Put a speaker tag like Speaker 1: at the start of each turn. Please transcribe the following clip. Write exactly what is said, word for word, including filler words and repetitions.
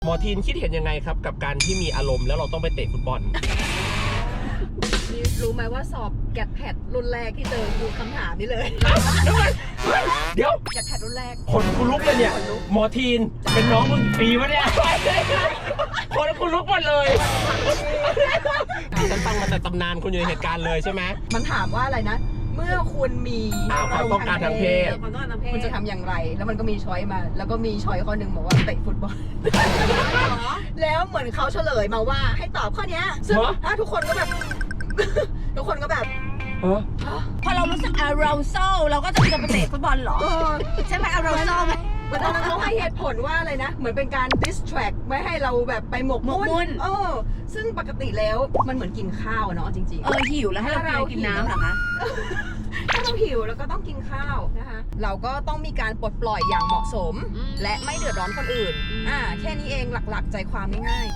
Speaker 1: หมอทีนคิดเห็นยังไงครับกับการที่มีอารมณ์แล้วเราต้องไปเตะฟุตบอล
Speaker 2: รู้ไหมว่าสอบแกดแพดรุ่นแรกที่เจอคือคำถามนี้เลย
Speaker 1: เดี๋ยว
Speaker 2: แกดแพดรุ่นแรก
Speaker 1: คนกูลุกเลยเนี่ยหมอทีนเป็นน้องมึงปีวะเนี่ยคนกูลุกหมดเลยฉันฟังมาแต่ตำนานคุณอยู่ในเหตุการณ์เลยใช่ไหม
Speaker 2: มันถามว่าอะไรนะ เมื่อคุณมี
Speaker 1: อ่าความต้องการทางเพศ
Speaker 2: ความต้องการทางเพศคุณจะทำอย่างไร แล้วมันก็มีช้อยมา แล้วก็มีช้อยข้อหนึ่งบอกว่าเตะฟุตบอล แล้วเหมือนเขาเฉลยมาว่าให้ตอบข้อเนี้ยซึ่งถ้าทุกคนก็แบบ ทุกคนก็แบบ
Speaker 1: เออ
Speaker 3: พอเรารู้สึกอารมณ์โซ่เราก็จะไปเตะฟุตบอลเหรอ
Speaker 2: เออ
Speaker 3: ใช่ไหมอารมณ์โซ่ไหม
Speaker 2: เหมือนตอนนั้นเขาให้เหตุผลว่าอะไรนะ เหมือนเป็นการ distract ไม่ให้เราแบบไปหมกมุ่
Speaker 3: หมกมุ่
Speaker 2: น
Speaker 3: น
Speaker 2: เออ ซึ่งปกติแล้วมันเหมือนกินข้าวเนาะจริงๆ
Speaker 3: เออหิวแล้วให้เราไปกินน้ำเหรอคะ
Speaker 2: ถ้าเราหิวแล้วก็ต้องกินข้าวนะคะ เราก็ต้องมีการปลดปล่อยอย่างเหมาะสม
Speaker 3: อืม
Speaker 2: และไม่เดือดร้อนคนอื่น
Speaker 3: อืม
Speaker 2: อ่า แค่นี้เองหลักๆใจความง่ายๆ